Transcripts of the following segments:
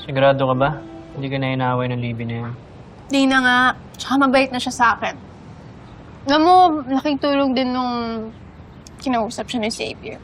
Sigurado ka ba? Hindi ka na inaaway ng Libby na yan. Di na nga. Tsaka mabait na siya sa akin. Alam mo, laking tulong din nung kinausap siya ni Xavier.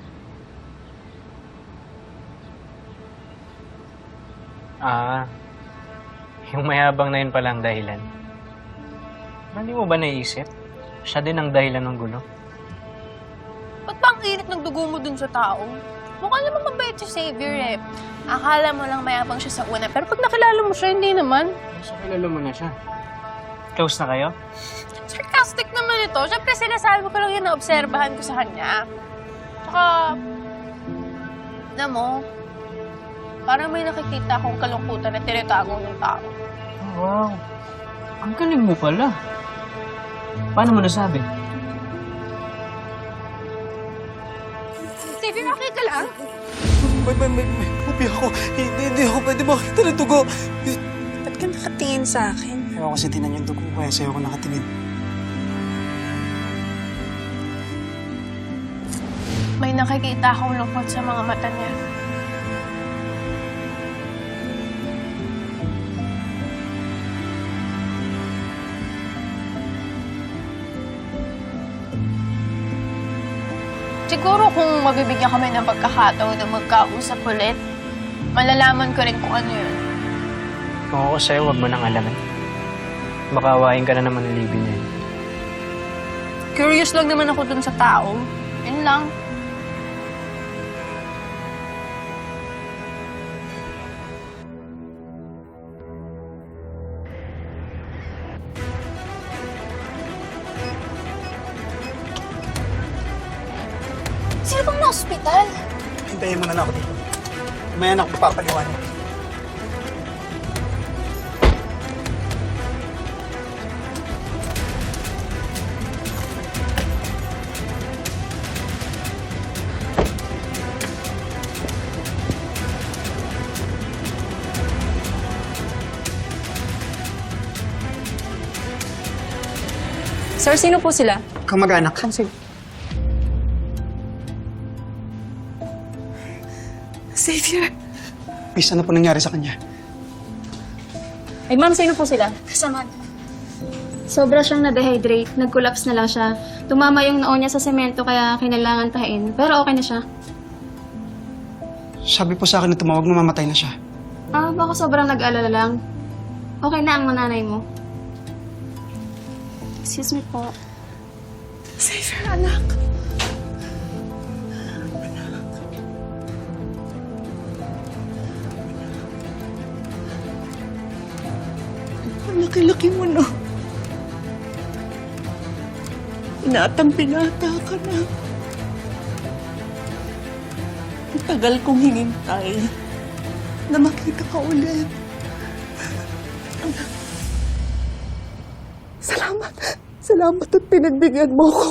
Ah, yung mayabang na yun pala ang dahilan. Hindi mo ba naisip? Siya din ang dahilan ng gulo. Ba't ba ang init ng dugo mo dun sa tao? Mukha naman mabait si Xavier eh. Akala mo lang mayabang siya sa una, pero pag nakilala mo siya, hindi naman. So, kilala mo na siya. Close na kayo? Sarcastic naman ito. Siyempre, sinasabi ko lang yun na obserbahan ko sa kanya. Tsaka, alam mo, parang may nakikita akong kalungkutan na tinatago ng tao. Oh, wow. Ang galing mo pala. Paano mo nasabi? Xavier, okay ka lang? May pupi ako. Hindi ako pwede makita ng dugo. Ba't ka nakatingin sa akin? Ayaw kasi tinan yung dugo, kaya sa'yo ako nakatingin. May nakikita akong lungkot sa mga mata niya. Siguro kung mabibigyan kami ng pagkakataon na magkausap ulit, malalaman ko rin kung ano yun. Kung ako sa'yo, wag mo nang alamin. Baka awayin ka na naman ng Libby niya. Curious lang naman ako dun sa tao. Yun lang. Sino bang na-hospital? Hintayin mo na ako dito. Mamaya na ako papaliwanag. Sir, sino po sila? Kamag-anak. Xavier! Miss, ano po nangyari sa kanya? Ay, ma'am, sino po sila? Kasama. Sobra siyang na-dehydrate. Nag-collapse na lang siya. Tumama yung noo niya sa semento kaya kinailangan tahin. Pero okay na siya. Sabi po sa akin na tumawag na mamatay na siya. Ah, baka sobrang nag-alala lang. Okay na ang nanay mo. Excuse me po. Xavier, anak! Ang laki-laki mo, no? Pinatang-pinata ka na. Ang tagal kong hinintay na makita ka ulit. Anak. Salamat. Salamat at pinagbigyan mo ko.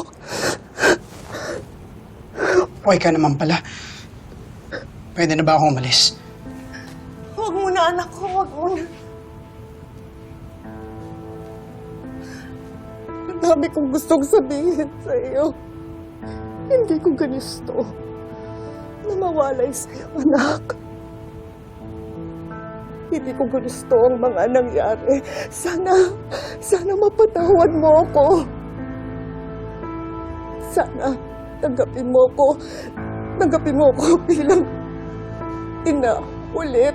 Okay ka naman pala. Pwede na ba akong umalis? Huwag mo na, anak ko. Huwag mo na. Ang dami kong gustong sabihin sa iyo. Hindi ko gusto na mawalay sa iyo, anak. Hindi ko gusto ang mga nangyari. Sana mapatawad mo ako. Sana tanggapin mo ako. Tanggapin mo ako bilang ina ulit.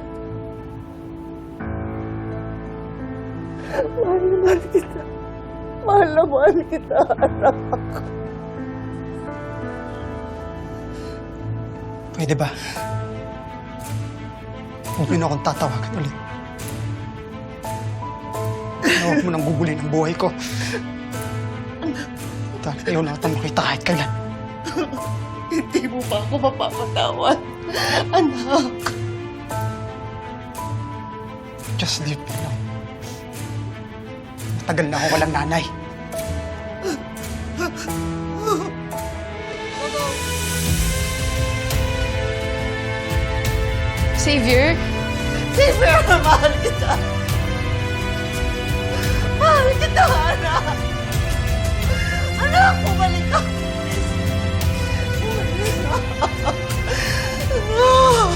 Mahal na mahal kita. Mahal na mahal kita, anak. Pwede ba? Huwag mo na akong tatawagan ulit. Huwag mo nang gugulin ang buhay ko. Dahil ayaw na kitang makita kahit kailan. Hindi mo pa ako mapapatawad, anak. Just leave me alone. Matagal na ako walang nanay. Xavier? Xavier, mahal kita. Mahal kita, anak. Anak, bumalik ka. Bumalik ka.